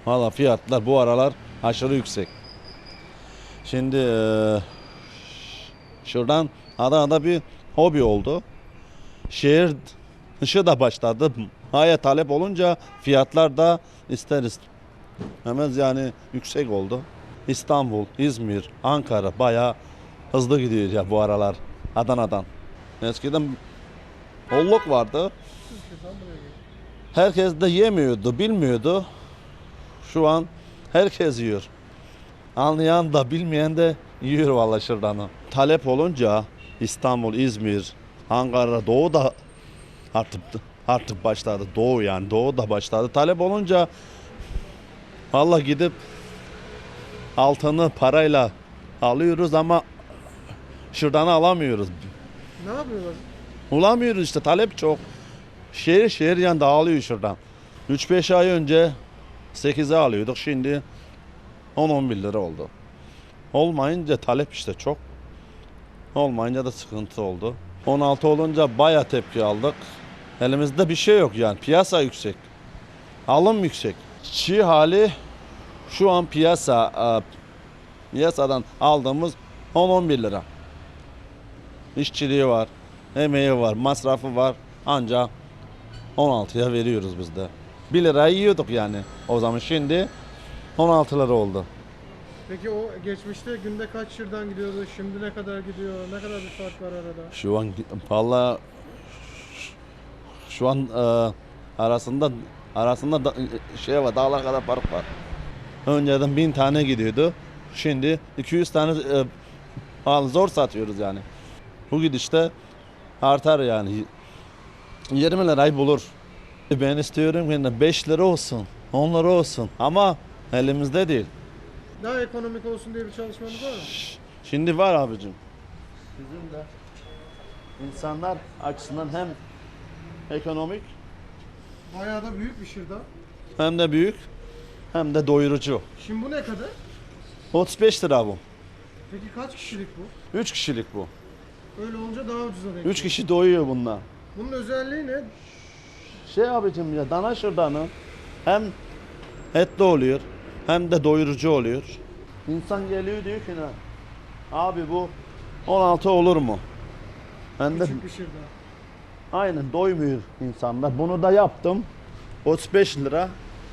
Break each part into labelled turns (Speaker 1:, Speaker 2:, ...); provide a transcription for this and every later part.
Speaker 1: Valla fiyatlar bu aralar aşırı yüksek. Şimdi şuradan Adana'da bir hobi oldu. Şehir dışı da başladı. Haya talep olunca fiyatlar da isteriz. Hemen yani yüksek oldu. İstanbul, İzmir, Ankara bayağı hızlı gidiyor ya bu aralar Adana'dan. Eskiden holluk vardı. Herkes de yemiyordu, bilmiyordu. Şu an herkes yiyor. Anlayan da bilmeyen de yiyor vallahi şırdanı. Talep olunca İstanbul, İzmir, Ankara, Doğu da artık başladı. Doğu yani Doğu da başladı. Talep olunca vallahi gidip altını parayla alıyoruz ama şırdanı alamıyoruz.
Speaker 2: Ne yapıyorlar?
Speaker 1: Bulamıyoruz işte, talep çok. Şehir şehir yani dağılıyor şuradan. 3-5 ay önce 8'e alıyorduk, şimdi 10-11 lira oldu. Olmayınca talep işte çok. Olmayınca da sıkıntı oldu. 16 olunca baya tepki aldık. Elimizde bir şey yok yani, piyasa yüksek. Alım yüksek. Çiğ hali şu an piyasadan aldığımız 10-11 lira. İşçiliği var, emeği var, masrafı var. Ancak 16'ya veriyoruz biz de. 1 lirayı yiyorduk yani o zaman, şimdi 16 lira oldu.
Speaker 2: Peki o geçmişte günde kaç şırdan gidiyordu? Şimdi ne kadar gidiyor? Ne kadar bir fark var arada?
Speaker 1: Şu an valla şu an arasında şey var, dağlar kadar fark var. Önceden 1000 tane gidiyordu. Şimdi 200 tane zor satıyoruz yani. Bu gidişte artar yani. 20 lirayı bulur. Ben istiyorum ki 5 lira olsun, 10 lira olsun ama elimizde değil.
Speaker 2: Daha ekonomik olsun diye bir çalışmanız var mı?
Speaker 1: Şimdi var abicim. Bizim de insanlar açısından hem ekonomik
Speaker 2: Bayağı da büyük bir şırdan.
Speaker 1: hem de büyük hem de doyurucu.
Speaker 2: Şimdi bu ne kadar?
Speaker 1: 35 lira bu.
Speaker 2: Peki kaç kişilik bu?
Speaker 1: 3 kişilik bu.
Speaker 2: Öyle olunca daha ucuza denk
Speaker 1: 3 kişi doyuyor bununla.
Speaker 2: Bunun özelliği ne?
Speaker 1: Şey abicim ya, dana şırdanı hem etli oluyor hem de doyurucu oluyor. İnsan geliyor diyor ki ne? Abi bu 16 olur mu? Ben de
Speaker 2: Küçük bir şırdan.
Speaker 1: aynen doymuyor insanlar. Bunu da yaptım. 35 lira.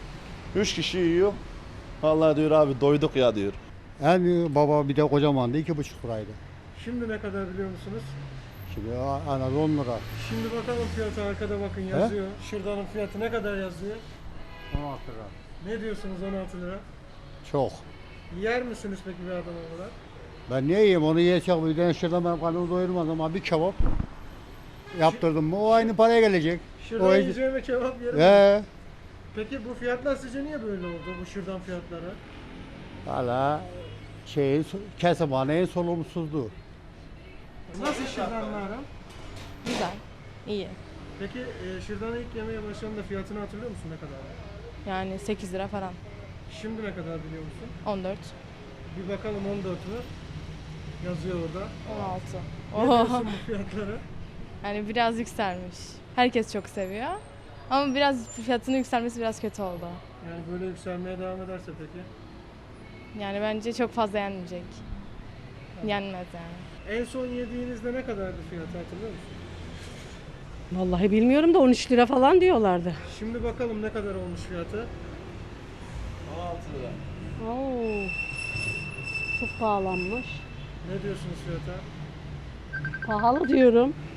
Speaker 1: 3 kişi yiyor. Vallahi diyor abi doyduk ya diyor.
Speaker 3: En büyük baba bir de kocamandı, 2,5 liraydı.
Speaker 2: Şimdi ne kadar biliyor musunuz?
Speaker 3: Şimdi en az 10 lira.
Speaker 2: Şimdi bakalım fiyatı, arkada bakın yazıyor. Şırdanın fiyatı ne kadar yazıyor?
Speaker 3: 16 lira.
Speaker 2: Ne diyorsunuz 16 lira?
Speaker 3: Çok.
Speaker 2: Yer misiniz peki bir adam olarak?
Speaker 3: Ben niye yiyeyim onu, yiyecek bir tane şuradan benim karnımı doyurmaz ama bir kebap yaptırdım mı o aynı paraya gelecek.
Speaker 2: Şırdan yiyeceğime kebap yerim.
Speaker 3: He.
Speaker 2: Peki bu fiyatlar sizce niye böyle oldu, bu şırdan fiyatları?
Speaker 3: Hala kesimhanenin sorumsuzluğu.
Speaker 2: Nasıl şırdanlarım?
Speaker 4: Güzel, iyi.
Speaker 2: Peki şırdanı ilk yemeye başladığında fiyatını hatırlıyor musun ne kadar?
Speaker 4: Yani 8 lira falan.
Speaker 2: Şimdi ne kadar biliyor musun?
Speaker 4: 14,
Speaker 2: Bir bakalım 14 mü? Yazıyor orada.
Speaker 4: 16.
Speaker 2: Ne
Speaker 4: Oho.
Speaker 2: diyorsun bu fiyatlara?
Speaker 4: Yani biraz yükselmiş. Herkes çok seviyor. Ama biraz fiyatının yükselmesi biraz kötü oldu.
Speaker 2: Yani böyle yükselmeye devam ederse peki?
Speaker 4: Yani bence çok fazla yenmeyecek. Yenmez yani.
Speaker 2: En son yediğinizde ne kadardı fiyatı hatırlıyor musun?
Speaker 5: Vallahi bilmiyorum da 13 lira falan diyorlardı.
Speaker 2: Şimdi bakalım ne kadar olmuş fiyatı.
Speaker 1: 16 lira.
Speaker 5: Oo. Çok pahalanmış.
Speaker 2: Ne diyorsunuz fiyata?
Speaker 5: Pahalı diyorum.